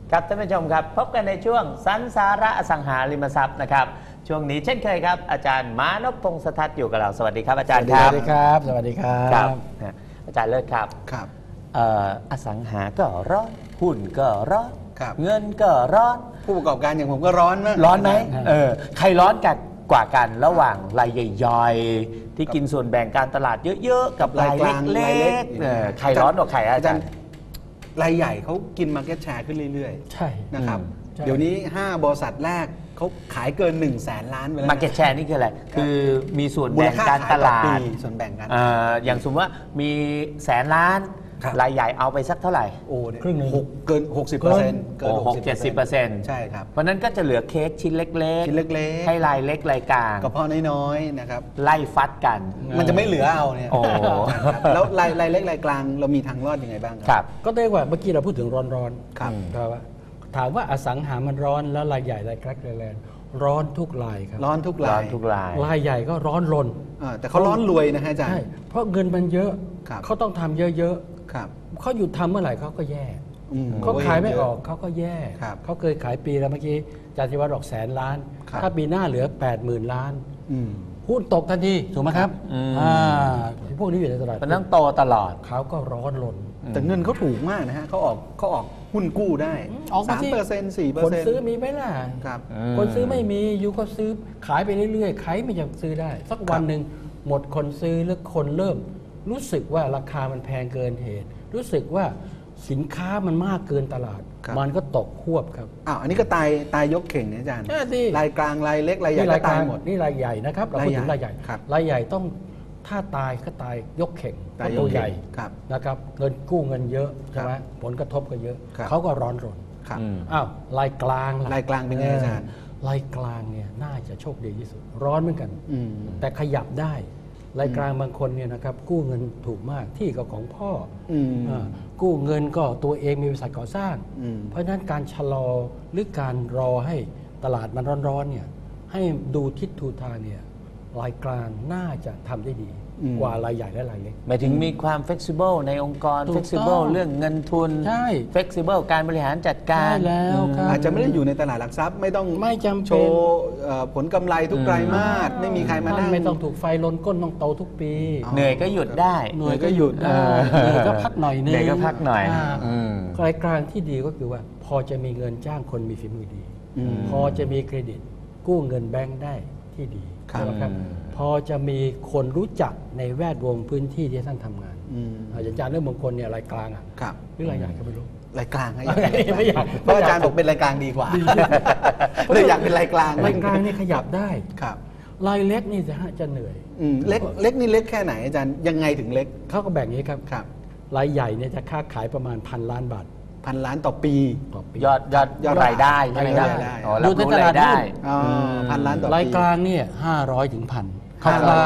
ครับท่านผู้ชมครับพบกันในช่วงสันสาระอสังหาริมทรัพย์นะครับช่วงนี้เช่นเคยครับอาจารย์มานพพงษ์สทัศน์อยู่กับเราสวัสดีครับอาจารย์ครับสวัสดีครับสวัสดีครับอาจารย์เลิศครับครับอสังหาก็ร้อนหุ้นก็ร้อนเงินก็ร้อนผู้ประกอบการอย่างผมก็ร้อนมากร้อนไหมใครร้อนกันกว่ากันระหว่างรายใหญ่ๆที่กินส่วนแบ่งการตลาดเยอะๆกับรายเล็กๆใครร้อนกว่าใครอาจารย์รายใหญ่เขากิน market share ขึ้นเรื่อยๆใช่นะครับเดี๋ยวนี้5บริษัทแรกเขาขายเกิน100,000 ล้านไปแล้ว market share นี่คืออะไรคือมีส่วนแบ่งการตลาดส่วนแบ่งกันอย่างสมมติว่ามี100,000 ล้านรายใหญ่เอาไปสักเท่าไหร่ครึ่งหนึ่งเกิน 60%เกิน 60-70% ใช่ครับเพราะนั้นก็จะเหลือเค้กชิ้นเล็กๆให้รายเล็กรายกลางกระเพาะน้อยๆนะครับไล่ฟัดกันมันจะไม่เหลือเอาเนี่ยแล้วรายเล็กรายกลางเรามีทางรอดยังไงบ้างครับก็ได้ว่าเมื่อกี้เราพูดถึงร้อนๆครับถามว่าอสังหามันร้อนแล้วรายใหญ่รายกลางรายแรงร้อนทุกรายครับร้อนทุกรายรายใหญ่ก็ร้อนรนแต่เขาร้อนรวยนะฮะอาจารย์ใช่เพราะเงินมันเยอะเขาต้องทำเยอะๆเขาหยุดทำเมื่อไหร่เขาก็แย่เขาขายไม่ออกเขาก็แย่เขาเคยขายปีแล้วเมื่อกี้อาจารย์ธิวัฒน์บอก100,000 ล้านถ้าปีหน้าเหลือ80,000 ล้านหุ้นตกทันทีถูกไหมครับพวกนี้อยู่ในตลาดมันต้องโตตลอดเขาก็ร้อนรนแต่เงินเขาถูกมากนะฮะเขาออกหุ้นกู้ได้ออก 3% 4% คนซื้อมีไหมล่ะคนซื้อไม่มีอยู่ก็ซื้อขายไปเรื่อยๆใครไม่อยากซื้อได้สักวันหนึ่งหมดคนซื้อหรือคนเริ่มรู้สึกว่าราคามันแพงเกินเหตุรู้สึกว่าสินค้ามันมากเกินตลาดมันก็ตกควบครับอันนี้ก็ตายยกเข่งนะอาจารย์รายกลางรายเล็กรายใหญ่ก็ตายหมดนี่รายใหญ่นะครับเราพูดถึงรายใหญ่รายใหญ่ต้องถ้าตายก็ตายยกเข่งตัวใหญ่นะครับเงินกู้เงินเยอะใช่ไหมผลกระทบก็เยอะเขาก็ร้อนรนรายกลางเป็นไงอาจารย์รายกลางเนี่ยน่าจะโชคดีที่สุดร้อนเหมือนกันแต่ขยับได้รายกลางบางคนเนี่ยนะครับกู้เงินถูกมากที่ก็ของพ่อกู้เงินก็ตัวเองมีบริษัทก่อสร้างเพราะฉะนั้นการชะลอหรือการรอให้ตลาดมันร้อนๆเนี่ยให้ดูทิศทางเนี่ยรายกลางน่าจะทำได้ดีกว่ารายใหญ่และรายเล็กหมายถึงมีความ flexible ในองค์กร flexible เรื่องเงินทุน flexible การบริหารจัดการแล้วอาจจะไม่ได้อยู่ในตลาดหลักทรัพย์ไม่ต้องโชว์ผลกำไรทุกไตรมาสไม่มีใครมานั่งไม่ต้องถูกไฟลนก้นต้องโตทุกปีเหนื่อยก็หยุดได้เหนื่อยก็หยุดได้เหนื่อยก็พักหน่อยนึงเหนื่อยก็พักหน่อยรายกลางที่ดีก็คือว่าพอจะมีเงินจ้างคนมีฝีมือดีพอจะมีเครดิตกู้เงินแบงค์ได้ที่ดีครับพอจะมีคนรู้จักในแวดวงพื้นที่ที่ท่านทำงานอาจารย์เรื่องบางคนเนี่ยรายกลางหรือรายใหญ่ก็ไม่รู้รายกลางไม่อยากเพราะอาจารย์บอกเป็นรายกลางดีกว่าเลยอยากเป็นรายกลางนี่ขยับได้รายเล็กนี่จะเหนื่อยเล็กนี่เล็กแค่ไหนอาจารย์ยังไงถึงเล็กเขาก็แบ่งนี้ครับรายใหญ่เนี่ยจะค้าขายประมาณ1,000 ล้านบาท 1,000 ล้านต่อปียอดรายได้ใช่ไหมครับดูในตลาดได้ 1,000 ล้านต่อปีรายกลางเนี่ย500 ถึง 1,000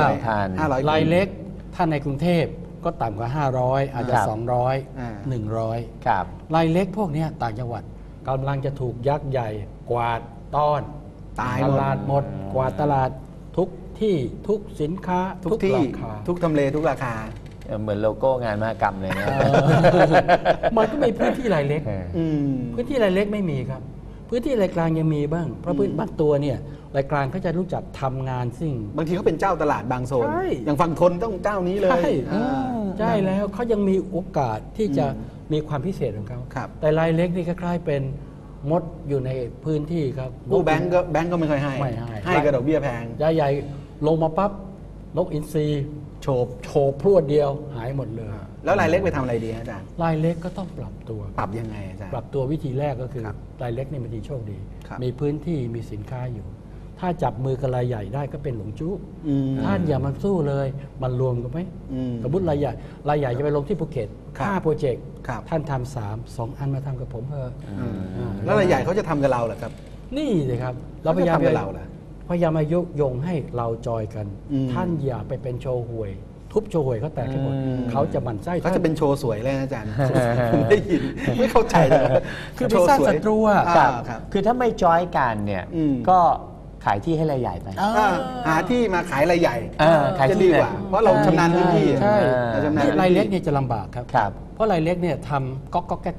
500รายเล็กถ้าในกรุงเทพก็ต่ำกว่า500อาจจะ200 100 ครับรายเล็กพวกนี้ต่างจังหวัดกำลังจะถูกยักษ์ใหญ่กวาดต้อนตลาดหมดกวาดตลาดทุกที่ทุกสินค้าทุกที่ทุกทำเลทุกราคาเหมือนโลโก้งานมหกรรมเลยนะมันก็มีพื้นที่รายเล็กพื้นที่รายเล็กไม่มีครับพื้นที่รายกลางยังมีบ้างเพราะพื้นบางตัวเนี่ยรายกลางเขาจะรู้จักทำงานสิ่งบางทีเขาเป็นเจ้าตลาดบางโซนอย่างฝั่งทนต้องเจ้านี้เลยใช่แล้วเขายังมีโอกาสที่จะมีความพิเศษของเขาแต่รายเล็กนี่คล้ายๆเป็นมดอยู่ในพื้นที่ครับกู้แบงก์ก็ไม่ค่อยให้กระดอกเบี้ยแพงใหญ่ลงมาปั๊บนกอินทรีโฉบพรวดเดียวหายหมดเลยแล้วรายเล็กไปทำอะไรดีอาจารย์รายเล็กก็ต้องปรับตัวปรับยังไงอาจารย์ปรับตัววิธีแรกก็คือรายเล็กนี่มันดีโชคดีมีพื้นที่มีสินค้าอยู่ถ้าจับมือกับรายใหญ่ได้ก็เป็นหลงจู้ท่านอย่ามันสู้เลยมันรวมกันไหมสมมติรายใหญ่จะไปลงที่ภูเก็ต5 โปรเจกต์ท่านทำ2 อันมาทำกับผมเถอะแล้วรายใหญ่เขาจะทำกับเราเหรอครับนี่เลยครับเราพยายามมายุยงให้เราจอยกันท่านอย่าไปเป็นโชว์หวยทุบโชว์หวยเขาแตกให้หมดเขาจะหมั่นไส้เขาจะเป็นโชว์สวยเลยอาจารย์ผมได้ยินไม่เข้าใจเลยคือไปสร้างศัตรูอ่ะคือถ้าไม่จอยกันเนี่ยก็ขายที่ให้รายใหญ่ไปหาที่มาขายรายใหญ่จะดีกว่าเพราะเราชำนาญพื้นที่ใช่รายเล็กเนี่ยจะลำบากครับเพราะรายเล็กเนี่ยทำก๊อกแก๊ก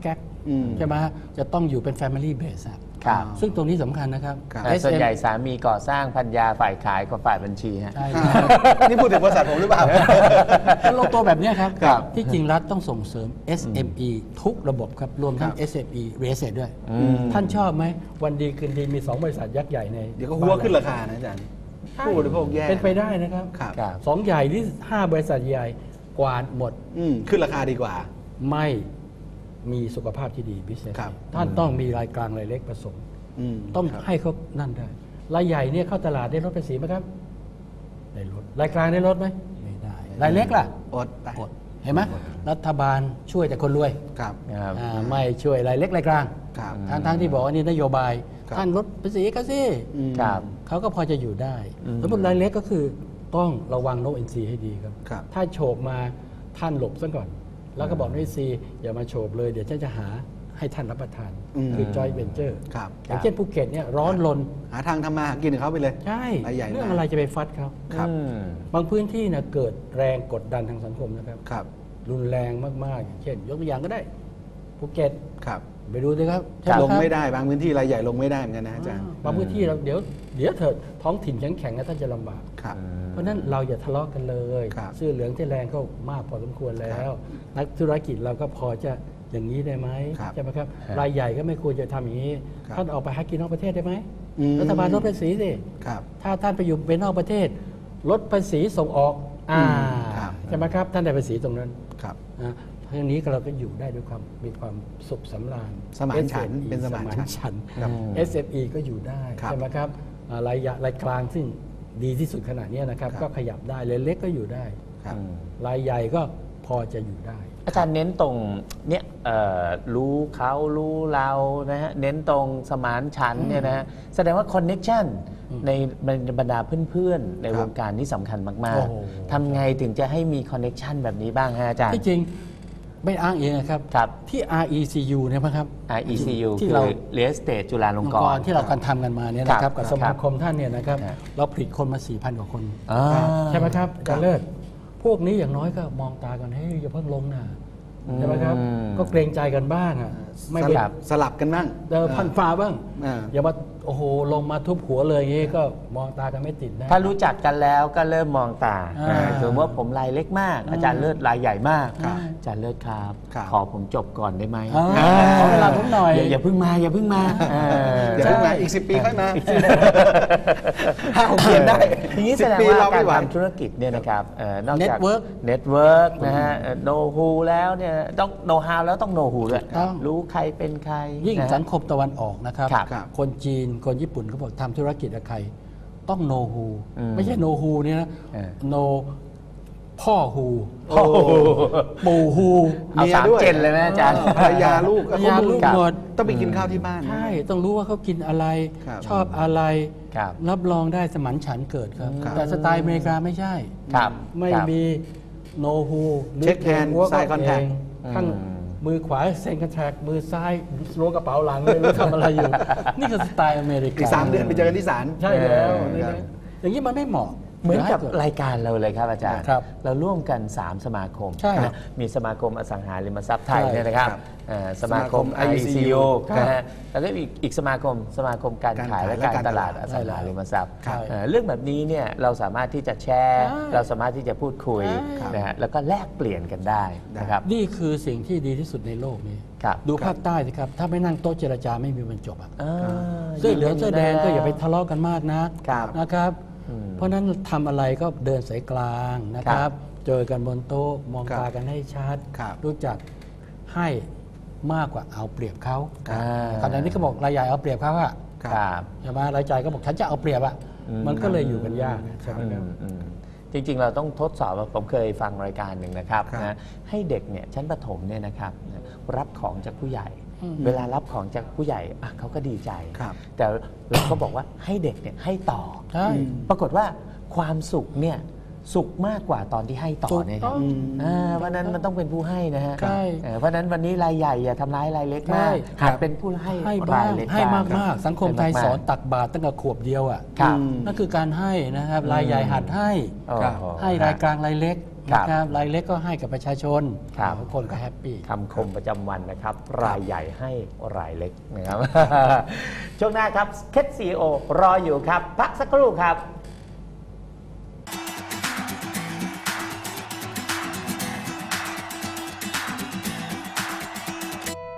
ใช่ไหมจะต้องอยู่เป็น Family Base ครับซึ่งตรงนี้สำคัญนะครับแต่ส่วนใหญ่สามีก่อสร้างภรรยาฝ่ายขายกับฝ่ายบัญชีฮะใช่นี่พูดถึงบริษัทผมหรือเปล่าลงตัวแบบนี้ครับครับที่จริงรัฐต้องส่งเสริม SME ทุกระบบครับ รวมทั้ง SME Real Estate ด้วย ท่านชอบไหม วันดีคืนดีมี 2 บริษัทยักษ์ใหญ่ในเดี๋ยวก็หัวขึ้นราคานะอาจารย์ผู้บริโภคแย่เป็นไปได้นะครับครับครับสองใหญ่ที่5 บริษัทใหญ่กวาดหมดขึ้นราคาดีกว่าไม่มีสุขภาพที่ดี business ครับท่านต้องมีรายกลางรายเล็กผสม ต้องครับให้เขานั่นได้ รายใหญ่เนี่ยเข้าตลาดได้ลดภาษีไหมครับ ได้ลด รายกลางได้ลดไหม ไม่ได้ รายเล็กล่ะอดไปอด เห็นไหมรัฐบาลช่วยแต่คนรวยครับครับไม่ช่วยรายเล็กรายกลางครับทั้งที่บอกว่านี่นโยบายครับท่านลดภาษีก็สิครับเขาก็พอจะอยู่ได้สมมติรายเล็กก็คือต้องระวังโนอินซีให้ดีครับครับถ้าโฉบมาท่านหลบซะก่อน แล้วก็บอกโนอินซีอย่ามาโฉบเลยเดี๋ยวฉันจะหาให้ท่านรับประทาน คือจอยเวนเจอร์ครับอย่างเช่นภูเก็ตเนี่ยร้อนรนหาทางทำมาหากินกับเขาไปเลยใช่รายใหญ่เรื่องมากอะไรจะไปฟัดเขาครับบางพื้นที่นะเกิดแรงกดดันทางสังคมนะครับครับรุนแรงมากๆอย่างเช่น ยกตัวอย่างก็ได้ภูเก็ตครับไปดูสิครับลงไม่ได้บางพื้นที่รายใหญ่ลงไม่ได้เหมือนกันนะอาจารย์บางพื้นที่เราเดี๋ยวเถิดท้องถิ่นแข็งๆนะท่านจะลำบากครับเพราะฉะนั้นเราอย่าทะเลาะกันเลยครับเสื้อเหลืองที่แรงก็มากพอสมควรแล้ว นักธุรกิจเราก็พอจะอย่างนี้ได้ไหมครับใช่ไหมครับครับรายใหญ่ก็ไม่ควรจะทำอย่างนี้ครับท่านออกไปหากินนอกประเทศได้ไหมอืมรัฐบาลลดภาษีสิครับถ้าท่านไปอยู่เป็นนอกประเทศลดภาษีส่งออกครับใช่ไหมครับท่านได้ภาษีตรงนั้นครับนะเพราะฉะนี้เราก็อยู่ได้ด้วยความมีความสุขสำราญสมานฉันท์ SME เป็นสมานฉันท์ฉันท์ครับ SME ก็อยู่ได้ครับใช่ไหมครับรายกลางซึ่งดีที่สุดขนาดนี้นะครับครับก็ขยับได้รายเล็กก็อยู่ได้ครับรายใหญ่ก็พอจะอยู่ได้อาจารย์เน้นตรงเนี่ยรู้เขารู้เรานะฮะเน้นตรงสมานฉันท์เนี่ยนะฮะแสดงว่าคอนเน็ชันในบรรดาเพื่อนๆ ในครับวงการนี่สำคัญมากโอ้โหๆทำไงถึงจะให้มีคอนเน็ชันแบบนี้บ้างฮะอาจารย์ที่จริงไม่อ้างเองนะครับครับที่ RECU เนี่ยนะครับ RECU ที่คือเรา Real Estate จุฬาลงกรณ์ที่เราการทำกันมาเนี่ยนะครับ กับครับสมาคมท่านเนี่ยนะครับครับเราผลิตคนมา 4,000 กว่าคนอ่าใช่ไหมครับอาจารย์เลิศพวกนี้อย่างน้อยก็มองตากันให้ยอย่าเพิ่งลงนะใช่ไหมครับ ก็เกรงใจกันบ้างอ่ะไม่สเป็นลับกันบ้างพันฟ้าบ้างอ่าอย่ามาโอ้โหลงมาทุบหัวเลยอย่างงี้ก็มองตากันไม่ติดนะถ้ารู้จักกันแล้วก็เริ่มมองตาอ่าสมมติว่าผมรายเล็กมาก อาจารย์เลิศรายใหญ่มากครับอาจารย์เลิศครับครับขอผมจบก่อนได้ไหมขอเวลาผมหน่อยอย่าเพิ่งมาอย่าเพิ่งมาเดี๋ยวเพิ่งมาอีก 10 ปีค่อยมา5-6 เดือนได้ทีนี้แสดง 10 ปีว่าเรากาไม่รไหวทำธุรกิจเนี่ยนะครับนอกจาก Network เน็ตเวิร์กนะฮะโนฮูแล้วเนี่ยต้องโนฮาวแล้วต้องโนฮูด้วยต้องรู้ใครเป็นใครยิ่งนะฮะสังคมตะวันออกนะครับครับครับคนจีนคนญี่ปุ่นเขาบอกทำธุรกิจกับใคร ต้องโนฮูอืมไม่ใช่โนฮูเนี่ยนะเออโนพ่อฮูโอ้โหปู่ฮูเอาเมียสามด้วยเจนเลยไหมอาจารย์ภรรยาลูกภรรยาลูกหมดต้องไปกินข้าวที่บ้านใช่ ต้องรู้ว่าเขากินอะไรครับชอบอะไรครับรับรองได้สมันฉันท์เกิดครับครับแต่สไตล์อเมริกาไม่ใช่ครับไม่ครับมีโนฮู Check hand sign contact ข้างมือขวาเซ็นคอนแทคมือซ้ายล้วงกระเป๋าหลังไม่รู้ทำอะไรอยู่ นี่คือสไตล์อเมริกาอีก 3 เดือนไปเจอกันที่ศาลใช่แล้วครับอย่างนี้มันไม่เหมาะเหมือนกับย่าให้รายการเราเลยครับอาจารย์ครับเราร่วมกัน 3 สมาคมใช่นะมีสมาคมอสังหาริมทรัพย์ไทยใช่เนี่ยนะครับครับสมาคมสมาคม IECU ครับนะฮะแล้วก็อีกสมาคมการขายและการตลาดอสังหาริมทรัพย์ครับเรื่องแบบนี้เนี่ยเราสามารถที่จะแชร์ใช่เราสามารถที่จะพูดคุยใช่นะฮะแล้วก็แลกเปลี่ยนกันได้นะครับนี่คือสิ่งที่ดีที่สุดในโลกนี้ครับดูภาคใต้สิครับ ถ้าไม่นั่งโต๊ะเจรจาไม่มีวันจบอะอ่าเสื้อเหลืองเสื้อแดงก็อย่าไปทะเลาะกันมากนะครับ นะครับ เพราะฉะนั้นทำอะไรก็เดินสายกลางนะคครัรับบเจอกันบนโต๊ะมองครับตากันให้ชัดครับรู้จักให้มากกว่าเอาเปรียบเขาอ่าขณะนี้ก็บอกรายใหญ่เอาเปรียบเขาอะครับใช่ไหมรายจ่ายก็บอกฉันจะเอาเปรียบอะมันก็เลยอยู่กันยากใช่ไหมครับจริงๆ เราต้องทดสอบผมเคยฟังรายการหนึ่งนะครับครับนะให้เด็กเนี่ยชั้นประถมเนี่ยนะครับรับของจากผู้ใหญ่อืมเวลารับของจากผู้ใหญ่อ่ะเขาก็ดีใจครับแต่เราก็บอกว่าให้เด็กเนี่ยให้ต่อใช่ปรากฏว่าความสุขเนี่ยสุขมากกว่าตอนที่ให้ต่อเนี่ยครับถูกต้องเพราะฉะนั้นมันต้องเป็นผู้ให้นะฮะใช่เพราะฉะนั้นวันนี้รายใหญ่อย่าทำร้ายรายเล็กใช่มากหัดเป็นผู้ให้ให้บ้างรายเล็กให้บ้างมากๆ สังคมไทยให้ากๆสอนตักบาตรตั้งแต่ขวบเดียวอ่ะครับนั่นคือการให้นะครับรายใหญ่หัดให้โอ้โหให้รายกลางรายเล็กนะครับรายเล็กก็ให้กับประชาชนครับทุกคนก็แฮปปี้คำคมประจำวันนะครับ รายใหญ่ให้รายเล็กนะครับ ช่วงหน้าครับเคสซีโอรออยู่ครับพักสักครู่ครับ